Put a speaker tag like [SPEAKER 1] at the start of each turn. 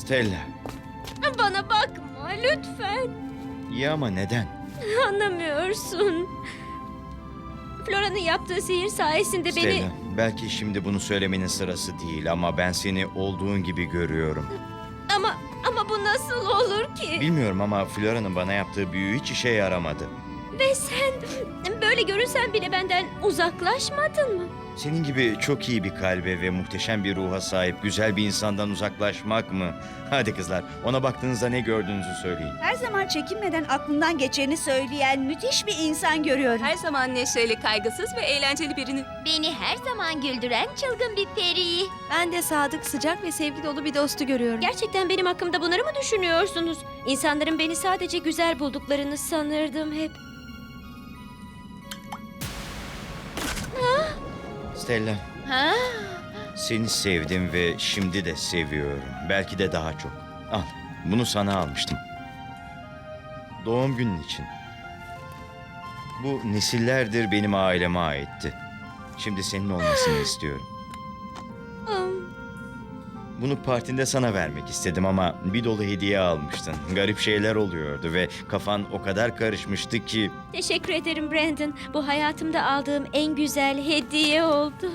[SPEAKER 1] Stella.
[SPEAKER 2] Bana bakma lütfen.
[SPEAKER 1] İyi ama neden?
[SPEAKER 2] Anlamıyorsun. Flora'nın yaptığı sihir sayesinde
[SPEAKER 1] Stella,
[SPEAKER 2] beni...
[SPEAKER 1] belki şimdi bunu söylemenin sırası değil ama ben seni olduğun gibi görüyorum.
[SPEAKER 2] Ama bu nasıl olur ki?
[SPEAKER 1] Bilmiyorum ama Flora'nın bana yaptığı büyü hiç işe yaramadı.
[SPEAKER 2] Ve sen böyle görünsen bile benden uzaklaşmadın mı?
[SPEAKER 1] Senin gibi çok iyi bir kalbe ve muhteşem bir ruha sahip güzel bir insandan uzaklaşmak mı? Hadi kızlar, ona baktığınızda ne gördüğünüzü söyleyin.
[SPEAKER 3] Her zaman çekinmeden aklından geçeni söyleyen müthiş bir insan görüyorum.
[SPEAKER 4] Her zaman neşeli, kaygısız ve eğlenceli birini.
[SPEAKER 5] Beni her zaman güldüren çılgın bir periyi.
[SPEAKER 6] Ben de sadık, sıcak ve sevgi dolu bir dostu görüyorum.
[SPEAKER 2] Gerçekten benim hakkımda bunları mı düşünüyorsunuz? İnsanların beni sadece güzel bulduklarını sanırdım hep.
[SPEAKER 1] Stella,
[SPEAKER 5] Ha?
[SPEAKER 1] seni sevdim ve şimdi de seviyorum. Belki de daha çok. Al, bunu sana almıştım. Doğum günün için. Bu nesillerdir benim aileme aitti. Şimdi senin olmasını istiyorum. Bunu partinde sana vermek istedim ama bir dolu hediye almıştın. Garip şeyler oluyordu ve kafan o kadar karışmıştı ki...
[SPEAKER 2] Teşekkür ederim Brandon. Bu hayatımda aldığım en güzel hediye oldu.